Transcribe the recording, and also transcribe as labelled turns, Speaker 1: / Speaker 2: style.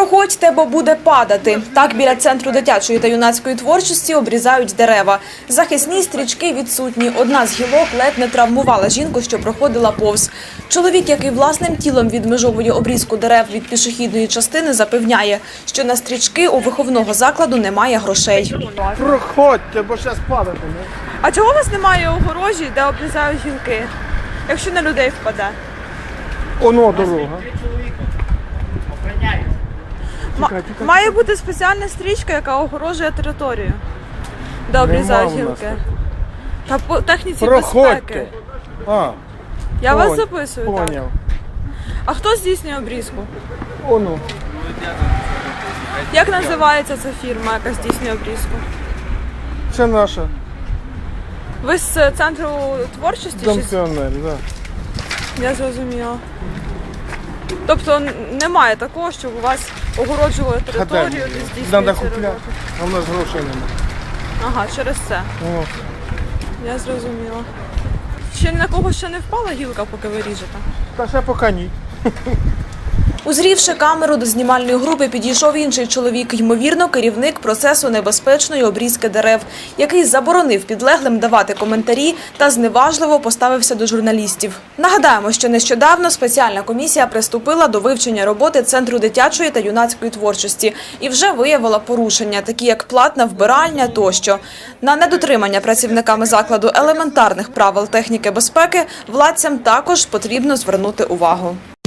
Speaker 1: Виходьте, бо буде падати. Так біля Центру дитячої та юнацької творчості обрізають дерева. Захисні стрічки відсутні. Одна з гілок ледь не травмувала жінку, що проходила повз. Чоловік, який власним тілом відмежовує обрізку дерев від пішохідної частини, запевняє, що на стрічки у виховного закладу немає грошей.
Speaker 2: Проходьте, бо зараз падати.
Speaker 1: А чого у вас немає огорожі, де обрізають гілки, якщо на людей впаде?
Speaker 2: Оно дорога.
Speaker 1: Має бути спеціальна стрічка, яка огорожує територію, де обрізають
Speaker 2: Нема у нас
Speaker 1: гілки. Та по техніці
Speaker 2: Проходьте.
Speaker 1: безпеки.
Speaker 2: А,
Speaker 1: Я вас записую, так.
Speaker 2: поняв.
Speaker 1: А хто здійснює обрізку?
Speaker 2: Оно.
Speaker 1: Як називається ця фірма, яка здійснює обрізку?
Speaker 2: Це наша.
Speaker 1: Ви з Центру творчості?
Speaker 2: Дом
Speaker 1: Чи...
Speaker 2: піонерів, да.
Speaker 1: Я зрозуміла. Тобто немає такого, щоб у вас огороджували територію, де здійснюється
Speaker 2: Треба
Speaker 1: робота?
Speaker 2: купляти, а в нас грошей немає.
Speaker 1: Ага, через це.
Speaker 2: О.
Speaker 1: Я зрозуміла. Ще на кого ще не впала гілка, поки ви ріжете?
Speaker 2: Та ще поки ні.
Speaker 1: Узрівши камеру, до знімальної групи підійшов інший чоловік, ймовірно, керівник процесу небезпечної обрізки дерев, який заборонив підлеглим давати коментарі та зневажливо поставився до журналістів. Нагадаємо, що нещодавно спеціальна комісія приступила до вивчення роботи Центру дитячої та юнацької творчості і вже виявила порушення, такі як платна вбиральня тощо. На недотримання працівниками закладу елементарних правил техніки безпеки владцям також потрібно звернути увагу.